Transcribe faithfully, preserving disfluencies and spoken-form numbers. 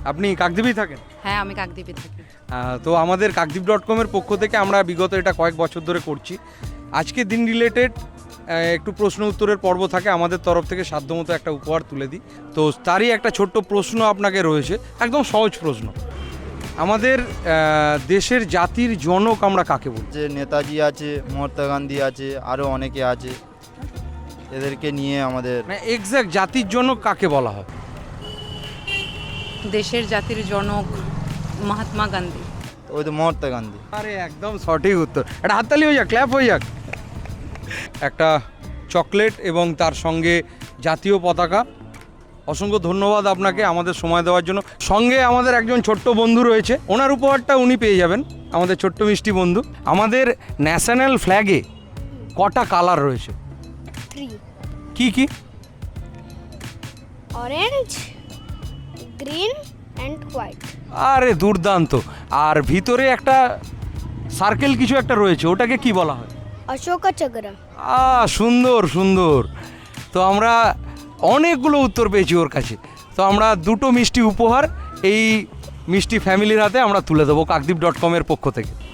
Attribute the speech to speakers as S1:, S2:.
S1: আপনি কাকদ্বীপেই থাকেন?
S2: হ্যাঁ, আমি কাকদ্বীপে থাকি।
S1: আহ, তো আমাদের কাকদ্বীপ ডট কমের পক্ষ থেকে আমরা বিগত এটা কয়েক বছর ধরে করছি। আজকে দিন রিলেটেড একটু প্রশ্ন উত্তরের পর্ব থাকে, আমাদের তরফ থেকে সাধ্যমতো একটা উপহার তুলে দিই। তো তারই একটা ছোট্ট প্রশ্ন আপনাকে রয়েছে, একদম সহজ প্রশ্ন। আমাদের আহ, দেশের জাতির জনক আমরা কাকে বলি?
S3: যে নেতাজি আছে, মহাত্মা গান্ধী আছে, আরও অনেকে আছে, এদেরকে নিয়ে আমাদের
S1: মানে এক্স্যাক্ট জাতির জনক কাকে বলা হয়?
S2: দেশের জাতির জনক মহাত্মা গান্ধী।
S3: ওই তো মহাত্মা গান্ধী।
S1: আরে একদম সঠিক উত্তর। একটা হাততালি হয়ে যাক, ক্ল্যাপ হয়ে যাক। একটা চকলেট এবং তার সঙ্গে জাতীয় পতাকা। অসংখ্য ধন্যবাদ আপনাকে আমাদের সময় দেওয়ার জন্য। সঙ্গে আমাদের একজন ছোট্ট বন্ধু রয়েছে, ওনার উপহারটা উনি পেয়ে যাবেন, আমাদের ছোট্ট মিষ্টি বন্ধু। আমাদের ন্যাশনাল ফ্ল্যাগে কটা কালার রয়েছে?
S4: থ্রি।
S1: কি কি?
S4: Orange, green and white.
S1: আরে দুর্দান্ত। আর ভিতরে একটা সার্কেল কিছু একটা রয়েছে, ওটাকে কি বলা হয়?
S4: অশোকা চক্র।
S1: আ সুন্দর সুন্দর। তো আমরা অনেকগুলো উত্তর পেয়েছি ওর কাছে। তো আমরা দুটো মিষ্টি উপহার এই মিষ্টি ফ্যামিলির হাতে আমরা তুলে দেবো কাকদ্বীপ ডট কমের পক্ষ থেকে।